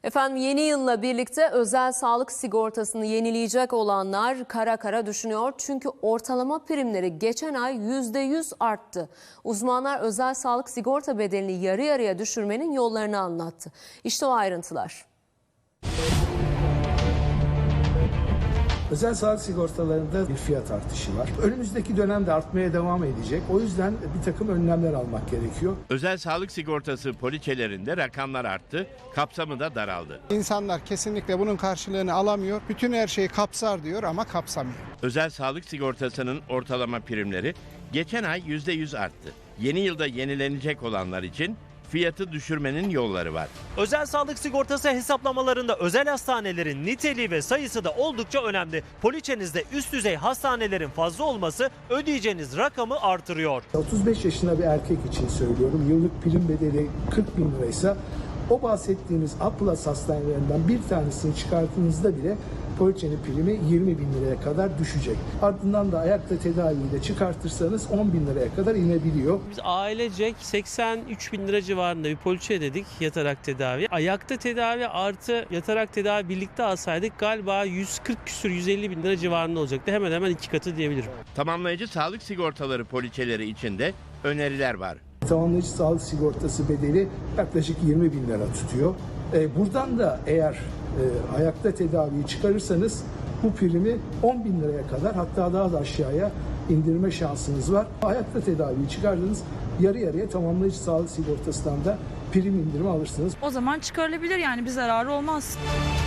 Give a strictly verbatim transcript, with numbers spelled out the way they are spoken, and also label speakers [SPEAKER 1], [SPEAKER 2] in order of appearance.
[SPEAKER 1] Efendim yeni yılla birlikte özel sağlık sigortasını yenileyecek olanlar kara kara düşünüyor. Çünkü ortalama primleri geçen ay yüzde yüz arttı. Uzmanlar özel sağlık sigorta bedelini yarı yarıya düşürmenin yollarını anlattı. İşte o ayrıntılar.
[SPEAKER 2] Özel sağlık sigortalarında bir fiyat artışı var. Önümüzdeki dönemde artmaya devam edecek. O yüzden bir takım önlemler almak gerekiyor.
[SPEAKER 3] Özel sağlık sigortası poliçelerinde rakamlar arttı, kapsamı da daraldı.
[SPEAKER 4] İnsanlar kesinlikle bunun karşılığını alamıyor. Bütün her şeyi kapsar diyor ama kapsamıyor.
[SPEAKER 3] Özel sağlık sigortasının ortalama primleri geçen ay yüzde yüz arttı. Yeni yılda yenilenecek olanlar için fiyatı düşürmenin yolları var.
[SPEAKER 5] Özel sağlık sigortası hesaplamalarında özel hastanelerin niteliği ve sayısı da oldukça önemli. Poliçenizde üst düzey hastanelerin fazla olması ödeyeceğiniz rakamı artırıyor.
[SPEAKER 2] otuz beş yaşında bir erkek için söylüyorum. Yıllık prim bedeli kırk bin liraysa o bahsettiğiniz A plus hastanelerinden bir tanesini çıkarttığınızda bile poliçenin primi yirmi bin liraya kadar düşecek. Ardından da ayakta tedaviyi de çıkartırsanız on bin liraya kadar inebiliyor.
[SPEAKER 6] Biz ailecek seksen üç bin lira civarında bir poliçe ödedik yatarak tedavi. Ayakta tedavi artı yatarak tedavi birlikte alsaydık galiba yüz kırk küsür yüz elli bin lira civarında olacaktı. Hemen hemen iki katı diyebilirim.
[SPEAKER 3] Tamamlayıcı sağlık sigortaları poliçeleri için de öneriler var.
[SPEAKER 2] Tamamlayıcı sağlık sigortası bedeli yaklaşık yirmi bin lira tutuyor. E, buradan da eğer e, ayakta tedaviyi çıkarırsanız bu primi on bin liraya kadar, hatta daha da aşağıya indirme şansınız var. Ayakta tedaviyi çıkardınız, yarı yarıya tamamlayıcı sağlık sigortasından da prim indirimi alırsınız.
[SPEAKER 7] O zaman çıkarılabilir, yani bir zararı olmaz.